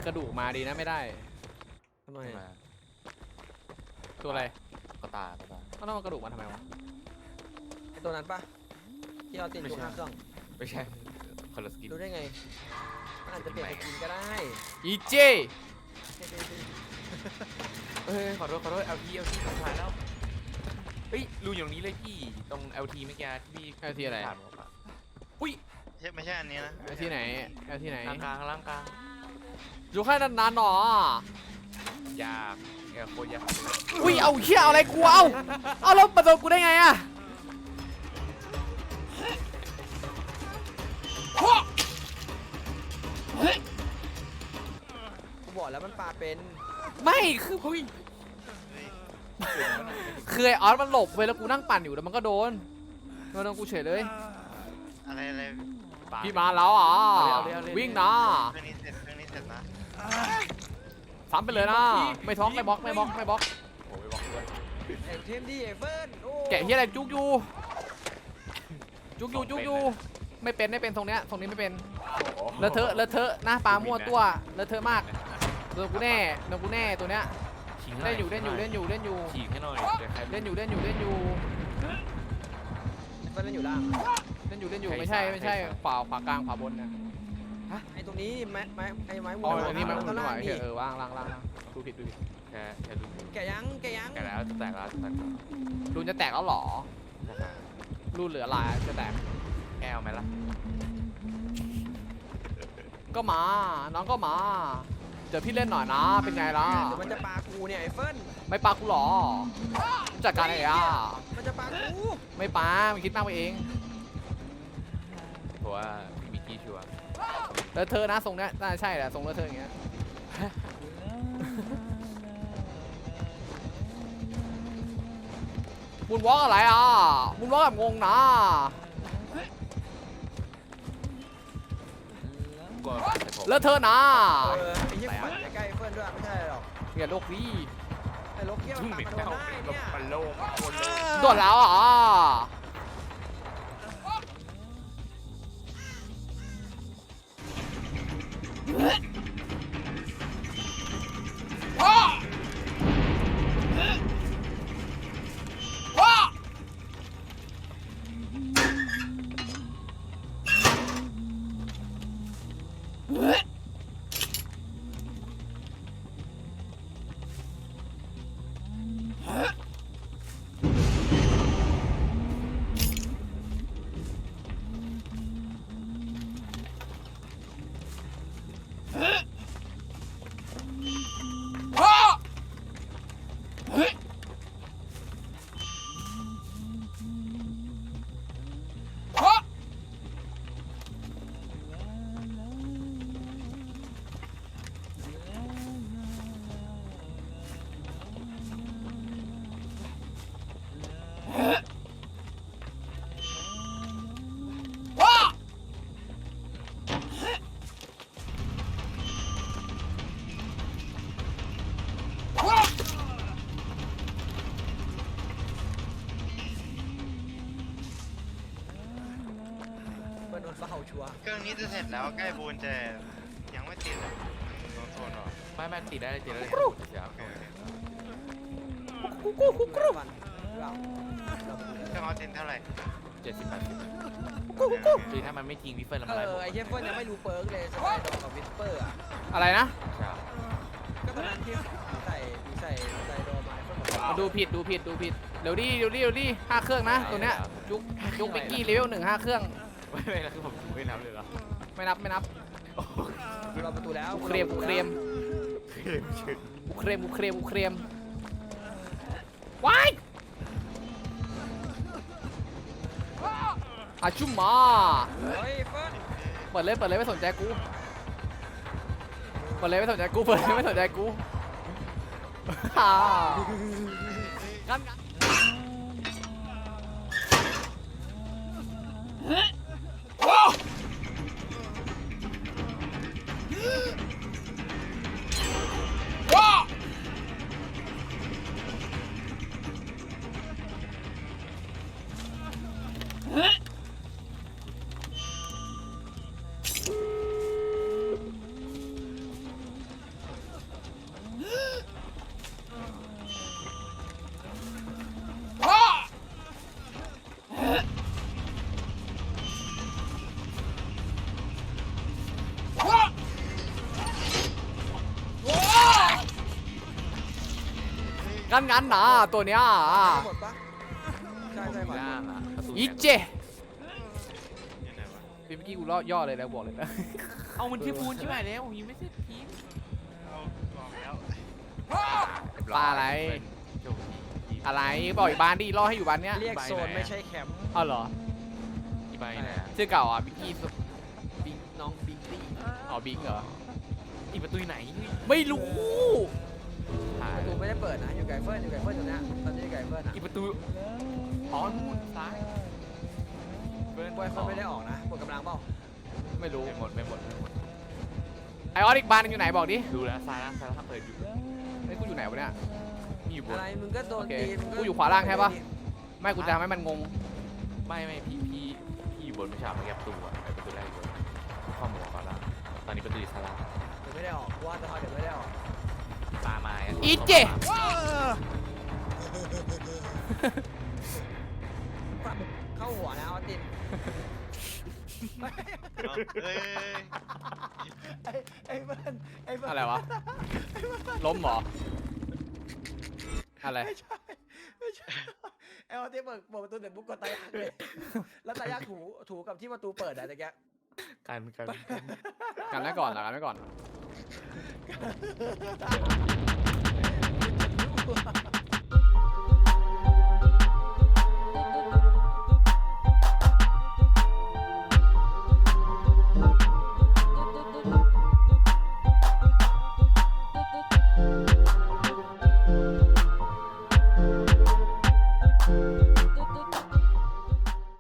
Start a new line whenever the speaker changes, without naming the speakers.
กระดูกมาดีนะไม่ได้ทำไมตัวอะไร
ก็ตา
ต้องเอากระดูกมาทำไมวะ
ไอตัวนั้นปะที่เราติดอยู่ข้างเครื่อง
ไม่ใช่คนละสกิน
รู้ได้ไงมันอาจจะเปลี่ยนสกินก็ได้
อีเจ
เฮ้ยขอโทษเอาทีผ่านแล้วเฮ้ยรูอยู่ตรงนี้เลยพี่ตรง LT เมื่อกี้ที่พี่
เอาที่อะไร
ผ่านมาปะอุ้ย
ไม่ใช่อันนี้นะ
เอาที่ไหนเอาที่ไหน
ล่างกลาง
อยู่แค่นานๆหนอย
ากโคตรยาก
อุ้ยเอาเหี้ยเอาอะไรกูเอาแล้วมาโดนกูได้ไงอะ
กูบอกแล้วมันปลาเป็น
ไม่คือเฮ้ยคือไอออสมันหลบไปแล้วกูนั่งปั่นอยู่แล้วมันก็โดนกูเฉยเลย
อะไร
พี่มาแล้วอ่ะวิ่งนะ
เครื่องนี้เสร็จนะ
ซ้ำไปเลยนะไม่ท้องไม่บล็อก
โอ้ยบล็อกด้วย
ไอเทมดีไอเฟิร์นโอ้
แกะเฮียอะไรจุกอยู่ไม่เป็นตรงนี้ไม่เป็นเลอะเทอะหน้าปลามั่วตัวเลอะเทอะมากโดนกูแน่ตัวเนี้ยเล่นอยู่
ฉีกให้หน่อยเดี๋ยวใคร
เล่นอยู่
ไอเฟิร์นเล่นอยู่ล่าง
ไม่ใช่ขวากลางขวาบนนะ
ไอตรงนี้ไม้ไม้
อ๋ออันนี้มัน
ก็ล่างนี่
ว่างดูผิด
แค่ดู
แกะยัง
แกแล้วจะแตกแล้ว
รูนจะแตกแล้วหรอรูนเหลือลายจะแตก
แก้วไหมล่ะ
ก็มาน้องก็มาเดี๋ยวพี่เล่นหน่อยนะเป็นไงล่ะ
เดี๋ยวมันจะปลากูเนี่ยไอเฟิร์น
ไม่ปากูหรอจัดการอะไรอ่ะ
มันจะปลากู
ไม่ปามันคิดมากไปเอง
เพราะว่ามีกี้ชัวร์
แล้วเธอนะทรงเนี้ยน่าใช่แหละทรงแล้วเธออย่างเงี้ยบุญวอล์กอะไรอ่ะบุญวอล์กแบบงงนะ
ก็แต่ผม
แล้วเธอนะ
ไอ้เหี้ยปั่นใกล้ไอเฟิร์นด้วยไม่ใช่หรอก
อย่าโลกดี
ไอ้ลกเกี้ยว
ชุ่ม
ตาม
เหม็น
มาโดน
เน่า
ได้เนี่ย
มันโล่งโคตรโล่ง
โดนแล้วอ่ะ
เฟิร์นโดนเฝ้าชัวร์
เครื่องนี้จะเสร็จแล้วใกล้บูนจะยังไม่ติดเลยโซนหรอ
ไม่ติดได้เสีย
โอเค
ปั่นเรา
เครื่องออเทนเท่าไหร่
70-80คือถ้ามันไม่ทิ้งวิฟเฟิร์นแล้ว
เอ
มันอะไร
อไอ้เหี้ยเฟิร์นยังไม่รู้เปิร์กเลยสไปดอกกับวิสเปอร์อ่ะ
อะไรนะ
ก็ตอนนั้นที่ใส่โดมาเฟิร์นบอกว่า
ดูผิดเดี๋ยวดิห้าเครื่องนะตัวเนี้ยยุกเบกกี้เลเวล1 5 เครื่อง
ไม่แล้วคือผมไม่นับเลยเหรอ
ไม่นับ
เราประตูแล้ว
กูเคลมว้ายอาชุมมา
เฮ้ยเฟิร์น
เปิดเลยไม่สนใจกูอ่างั้นงั้นนะตัวเนี้ย
หมดปะใช่ใช่ก่อน
ย่างอ่ะประตู
อีเจ
ยังไงวะ
เมื่อกี้กูย่อเลยแล้วบอกเลยนะ
เอามันที่ปูนใช่ไหมแล้วผมยังไม่เสร็จทีม
เอาบอกแล้ว
ปลาอะไร
โชคดี
อะไรบอกอีกบ้านดิล่อให้อยู่บ้านเนี้ย
เรียกโซนไม่ใช่แคมป์
อ้าวเหรอ
อีใบไหนอะ
ชื่อเก่าอ่ะบิงกี้บิงน้องบิงตี้อ๋อบิงเหรอ
อีประตูไหน
ไม่รู้
ถ่า
ป
ย
ระตูไม่ได้เปิดนะอยู่ไก่เฟิร์นอยู่ไก่เฟิร์นตรงเนี้ยตอนนี้อยู่ไก่เฟิร์นอ่ะ
อีประตูอ๋อนู่นซ้ายเบิร์น
บอยเฟิร์นไม่ได้ออกนะหมดกำลังเปล่า
ไม่รู้
ไม่หมดไม่หมดไม่หมด
ไอออสอีกบ้านนึงอยู่ไหนบอกดิ
ดูแล้วซ้ายล่างเปิดอยู่
ไอ้ยกูอยู่ไหนวะเนี่ย
มีอยู่บ
อะ
น
ไรมึงก็โดน
โอเค
ตีมึง
กูอยู่ขวาล่างใช่ปะ ไม่กูจะทำให้มันงง
ไม่พี่อยู่บนไม่ใช่ไม่แกประตูอะไอประตูแรกอยู่บนข้อมูลก่อนละตอนนี้ประตูอยู่ซ้ายล่าง
เดี๋ยวไม่ได้ออกว่าจะทอยเดี๋ยวไม่ได้ออก
ตาไม้อะ
อีเจ
เข้าหัวนะออสติน
เอาเอ้ย
ไอ้เฟิร์นไอ้เฟิร์น
อะไรวะ ล้มเหรอ อะไร
ไม่ใช่ไอ้ออสตินเปิดประตูเดี๋ยวบุ๊กกดตายากเลยแล้วตายากถูกับที่ประตูเปิดอะตะแก
กัน
กันไว้ก่อนเหรอกันไว้ก่อน